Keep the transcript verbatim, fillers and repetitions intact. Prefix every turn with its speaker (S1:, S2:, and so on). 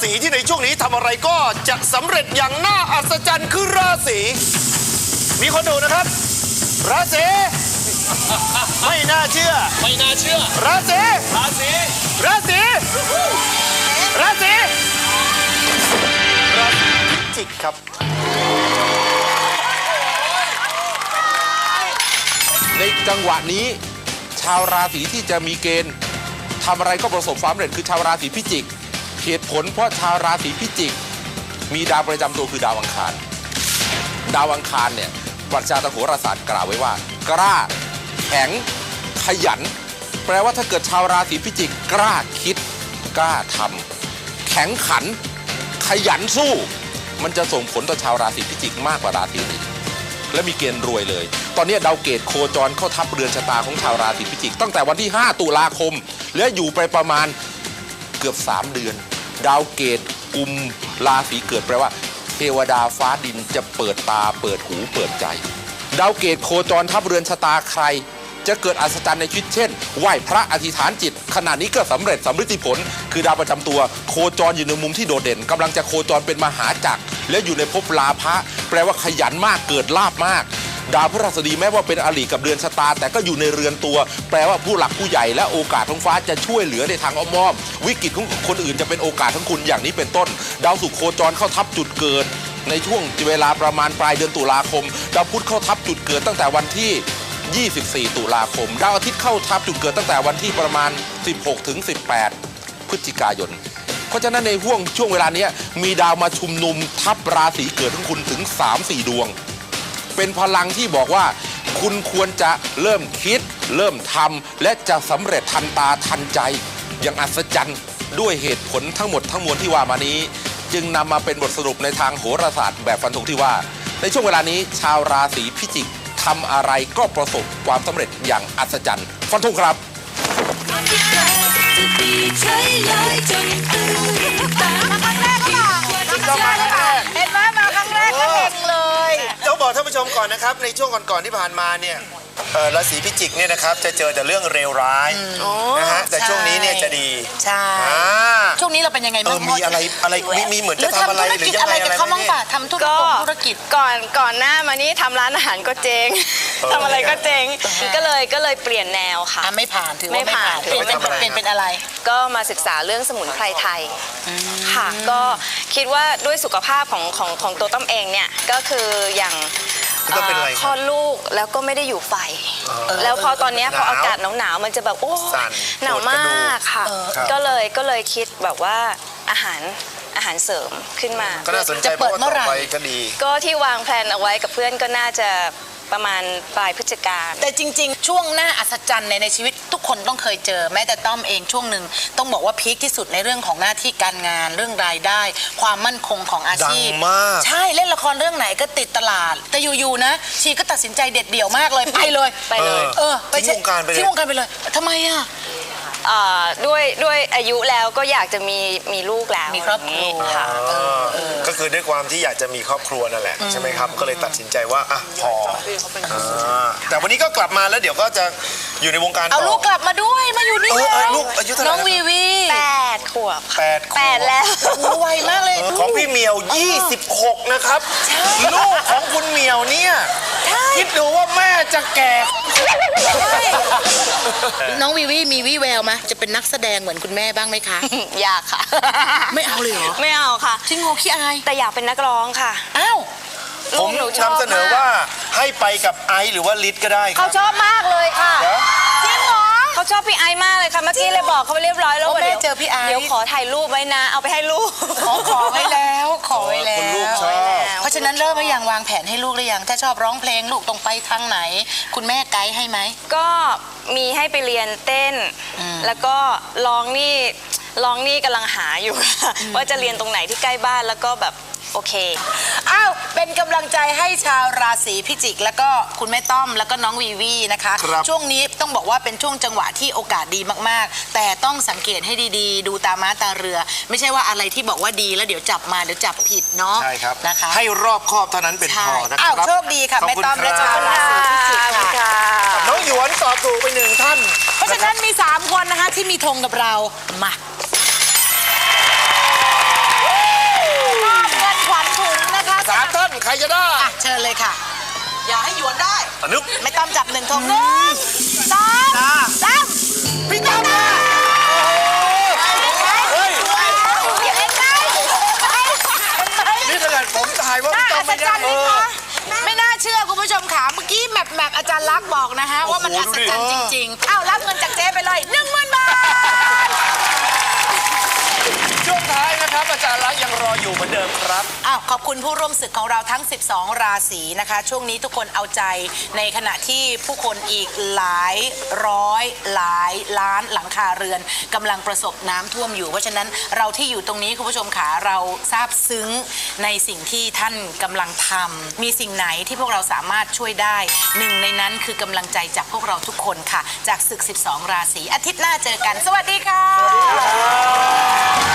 S1: ศีที่ในช่วงนี้ทำอะไรก็จะสำเร็จอย่างน่าอัศจรรย์คือราศีมีคนดูนะครับราศีไม่น่าเชื่อ
S2: ไม่น่าเชื่อ
S1: ราศี
S2: ราศี
S1: ราศีราศีราศีพิจิกครับ
S3: ในจังหวะนี้ชาวราศีที่จะมีเกณฑ์ทำอะไรก็ประสบความสำเร็จคือชาวราศีพิจิกเหตุผลเพราะชาวราศีพิจิกมีดาวประจำตัวคือดาวอังคารดาวอังคารเนี่ยปรัชญาทางโหราศาสตร์กล่าวไว้ว่ากล้าแข็งขยันแปลว่าถ้าเกิดชาวราศีพิจิกกล้าคิดกล้าทำแข็งขันขยันสู้มันจะส่งผลต่อชาวราศีพิจิกมากกว่าราศีอื่นและมีเกณฑ์รวยเลยตอนนี้ดาวเกตโคจรเข้าทับเรือนชะตาของชาวราศีพิจิกตั้งแต่วันที่ห้าตุลาคมและอยู่ไปประมาณเกือบสามเดือนดาวเกตกุมราศีเกิดแปลว่าเทวดาฟ้าดินจะเปิดตาเปิดหูเปิดใจดาวเกตโคจรทับเรือนชะตาใครจะเกิดอัศจรรย์ในชีวิตเช่นไหว้พระอธิษฐานจิตขณะนี้ก็สำเร็จสำฤทธิผลคือดาวประจำตัวโคจรอยู่ในมุมที่โดดเด่นกำลังจะโคจรเป็นมหาจักรและอยู่ในภพลาภะแปลว่าขยันมากเกิดลาภมากดาวพฤหัสบดีแม้ว่าเป็นอริกับเรือนชะตาแต่ก็อยู่ในเรือนตัวแปลว่าผู้หลักผู้ใหญ่และโอกาสของฟ้าจะช่วยเหลือในทางอ้อมๆวิกฤตของคนอื่นจะเป็นโอกาสของคุณอย่างนี้เป็นต้นดาวศุกร์โคจรเข้าทับจุดเกิดในช่วงเวลาประมาณปลายเดือนตุลาคมดาวพุธเข้าทับจุดเกิดตั้งแต่วันที่ยี่สิบสี่ตุลาคมดาวอาทิตย์เข้าทับจุดเกิดตั้งแต่วันที่ประมาณสิบหกถึงสิบแปดพฤศจิกายนเพราะฉะนั้นในห่วงช่วงเวลานี้มีดาวมาชุมนุมทับราศีเกิดของคุณถึง สามสี่ ดวงเป็นพลังที่บอกว่าคุณควรจะเริ่มคิดเริ่มทำและจะสำเร็จทันตาทันใจอย่างอัศจรรย์ด้วยเหตุผลทั้งหมดทั้งมวลที่ว่ามานี้จึงนำมาเป็นบทสรุปในทางโหราศาสตร์แบบฟันธงที่ว่าในช่วงเวลานี้ชาวราศีพิจิกทำอะไรก็ประสบความสำเร็จอย่างอัศจรรย์ฟันธงครับ
S4: เห็นไหมมาครั้งแรกก็เห็นเลย
S1: ต้องบอกท่านผู้ชมก่อนนะครับในช่วงก่อนๆที่ผ่านมาเนี่ยราศีพิจิกเนี่ยนะครับจะเจอแต่เรื่องเลวร้ายนะฮะแต่ช่วงนี้เนี่ยจะดี
S4: ใช่ช่วงนี้เราเป็นยังไงบ้าง
S1: มีอะไรอะไรมีเหมือนจะทำอะไรหรือยังไงอะไร
S4: เขาบ้างป่ะทำธุรกิจ
S5: ก่อนก่อนหน้ามานี้ทำร้านอาหารก็เจ๊งทำอะไรก็เจ๊งก็เลยก็เลยเปลี่ยนแนวค่ะ
S4: ไม่ผ่านถือว่าไม่ผ่านเปลี่ยนเป็นเป็นเป็นอะไร
S5: ก็มาศึกษาเรื่องสมุนไพรไทยค่ะก็คิดว่าด้วยสุขภาพของของของตัวต้อมเองเนี่ยก็คืออย่างคลอดลูกแล้วก็ไม่ได้อยู่ไฟแล้วพอตอนนี้พออากาศหนาวๆมันจะแบบโอ้หนาวมากค่ะก็เลยก็เลยคิดแบบว่าอาหารอาหารเสริมขึ้นมา
S1: จะเปิดเมื่อไหร่
S5: ก็ที่วางแผนเอาไว้กับเพื่อนก็น่าจะประมาณปลายพฤศจิกา
S4: แต่จริงๆช่วงหน้าอัศจรรย์ในในชีวิตทุกคนต้องเคยเจอแม้แต่ต้อมเองช่วงหนึ่งต้องบอกว่าพีคที่สุดในเรื่องของหน้าที่การงานเรื่องรายได้ความมั่นคงของอาชีพใช่เล่นละครเรื่องไหนก็ติดตลาดแต่อยู่ๆนะชีก็ตัดสินใจเด็ดเดี่ยวมากเลยไปเลย
S5: ไปเลย
S4: เออไปที่วงการไปเลยที่วงการไปเลยทำไมอ่ะ
S5: ด้วยด้วยอายุแล้วก็อยากจะมีมีลูกแล้ว
S4: มีครอบครัวค่ะ
S1: ก็คือด้วยความที่อยากจะมีครอบครัวนั่นแหละใช่ไหมครับก็เลยตัดสินใจว่าอ่ะพอแต่วันนี้ก็กลับมาแล้วเดี๋ยวก็จะอยู่ในวงการ
S4: เอาลูกกลับมาด้วยมาอยู่นี่
S1: ลูกอายุเท่าไหร่
S4: น้องวีวี
S5: แปดขวบ
S1: แปด
S5: แปดแล้ว
S4: ไวมากเลย
S1: ของพี่เหมียวยี่สิบหกนะครับลูกของคุณเหมียวเนี่ยคิดดูว่าแม่จะแก่
S4: น้องวีวีมีวี่แววไหมจะเป็นนักแสดงเหมือนคุณแม่บ้างไหมคะ
S5: อยากค่ะ
S4: ไม่เอาเลยเหรอ
S5: ไม่เอาค่ะ
S4: จริงโง่ขี้อาย
S5: แต่อยากเป็นนักร้องค่ะ
S4: อ้าว
S1: ผมนำเสนอว่าให้ไปกับไอซ์หรือว่าลิศก็ได้
S5: เขาชอบมากเลยค่ะจริงเหรอเขาชอบพี่ไอซ์มากเลยค่ะเมื่อกี้เลยบอกเขาไปเรียบร้อยแล้วว่าเดี๋ยว
S4: เจอพี่ไอซ์
S5: เดี๋ยวขอถ่ายรูปไว้นะเอาไปให้ลูก
S4: ขอขอไว้แล้วขอไว้แล้ว
S1: ลูกชอบ
S4: เพราะฉะนั้นเริ่มไปยังวางแผนให้ลูกหรือยังถ้าชอบร้องเพลงลูกต้องไปทางไหนคุณแม่ไกด์ให้ไหม
S5: ก็มีให้ไปเรียนเต้นแล้วก็ร้องนี่ร้องนี่กำลังหาอยู่ว่าจะเรียนตรงไหนที่ใกล้บ้านแล้วก็แบบโอเค
S4: อ้าวเป็นกำลังใจให้ชาวราศีพิจิกแล้วก็คุณแม่ต้อมแล้วก็น้องวีวีนะคะช่วงนี้ต้องบอกว่าเป็นช่วงจังหวะที่โอกาสดีมากๆแต่ต้องสังเกตให้ดีๆดูตาม้าตาเรือไม่ใช่ว่าอะไรที่บอกว่าดีแล้วเดี๋ยวจับมาเดี๋ยวจับผิดเนาะ
S1: ใช่ครับ
S4: นะคะ
S1: ให้รอบคอบเท่านั้นเป็นพอนะครับ
S4: อ้าวโชคดีค่ะแม่ต้อมและชาวราศีพิจิกค่ะ
S1: น้องหยวนตอบถูกไปหนึ่งท่าน
S4: เพราะฉะนั้นมีสามคนนะคะที่มีธงกับเรามาเลยค่ะ อย่าให้หยวนได้
S1: อนุ
S4: ไม่ต้องจับหนึ่งทงหนึ่งสองสาม
S1: พี่ตั้มมาเฮ้ยนี่ขนาดผมถ่ายว่าพี่ตั้มไม่ได้เออ
S4: ไม่น่าเชื่อคุณผู้ชมค่ะเมื่อกี้แมปแมปอาจารย์ลักษณ์บอกนะฮะว่ามันอัศจรรย์จริงๆอ้าวรับเงินจากเจ๊ไปเลยหนึ่งหมื่นบาท
S1: ช่วงท้ายนะครับอาจารย์ลักษณ์ยังรออยู่เหมือนเดิมครับ
S4: อ้าวขอบคุณผู้ร่วมศึกของเราทั้งสิบสองราศีนะคะช่วงนี้ทุกคนเอาใจในขณะที่ผู้คนอีกหลายร้อยหลายล้านหลังคาเรือนกำลังประสบน้ำท่วมอยู่เพราะฉะนั้นเราที่อยู่ตรงนี้คุณผู้ชมขาเราซาบซึ้งในสิ่งที่ท่านกำลังทำมีสิ่งไหนที่พวกเราสามารถช่วยได้หนึ่งในนั้นคือกำลังใจจากพวกเราทุกคนค่ะจากศึกสิบสองราศีอาทิตย์หน้าเจอกันสวัสดีค่ะ